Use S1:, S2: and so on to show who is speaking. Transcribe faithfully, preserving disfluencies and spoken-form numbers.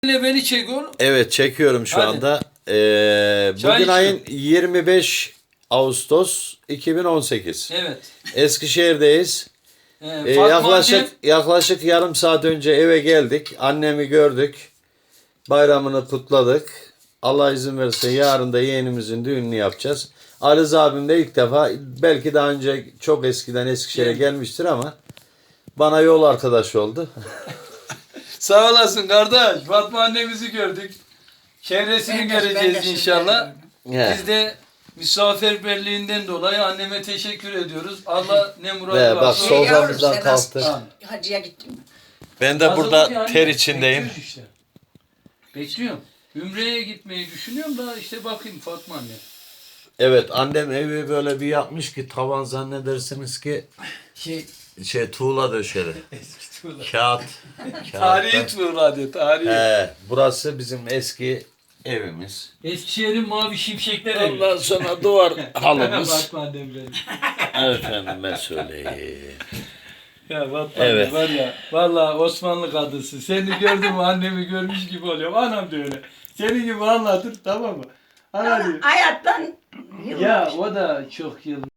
S1: ile beni çek oğlum.
S2: Evet, çekiyorum şu
S1: Hadi.
S2: anda. Ee,
S1: Çay
S2: bugün
S1: içiyorum.
S2: ayın yirmi beş Ağustos iki bin on sekiz.
S1: Evet.
S2: Eskişehir'deyiz.
S1: Ee,
S2: Ee,
S1: Fatma
S2: yaklaşık
S1: annem,
S2: yaklaşık yarım saat önce eve geldik. Annemi gördük. Bayramını kutladık. Allah izin verirse yarın da yeğenimizin düğününü yapacağız. Arız abim de ilk defa, belki daha önce çok eskiden Eskişehir'e
S1: Evet.
S2: gelmiştir ama bana yol arkadaşı oldu.
S1: sağ olasın kardeş. Fatma annemizi gördük. Çevresini
S3: Ben de- ben de
S1: göreceğiz
S3: şimdi
S1: inşallah.
S2: He.
S1: Biz de misafirperliğinden dolayı anneme teşekkür ediyoruz. Allah ne
S2: Ve
S1: muradı
S2: bak
S1: varsa.
S3: sol-
S2: soframızdan
S3: Yavrum,
S2: kalktı.
S1: Tamam.
S3: Hacıya gittim.
S2: Ben de
S1: Hazırlık
S2: burada
S1: yani.
S2: ter içindeyim.
S1: Bekliyoruz işte. Bekliyorum. Ümre'ye gitmeyi düşünüyorum da işte bakayım Fatma anne.
S2: Evet, annem evi böyle bir yapmış ki tavan zannedersiniz ki
S1: Şey,
S2: şey tuğla döşeli.
S1: eski tuğla.
S2: Kağıt.
S1: Tarihi
S2: Kağıttan.
S1: tuğla diyor, tarihi.
S2: He, burası bizim eski evimiz.
S1: Eskişehir'in mavi şimşekler evi.
S2: Ondan sonra duvar halımız.
S1: Fatma annem benim.
S2: Efendime söyleyeyim.
S1: Ya Fatma
S2: Evet.
S1: anne var ya, vallahi Osmanlı kadınsın. Seni gördüm mü annemi görmüş gibi oluyorum. Anam da öyle. Senin gibi anlatır, tamam mı? Ana diyor.
S3: Hayattan
S1: Ya o da çok yıl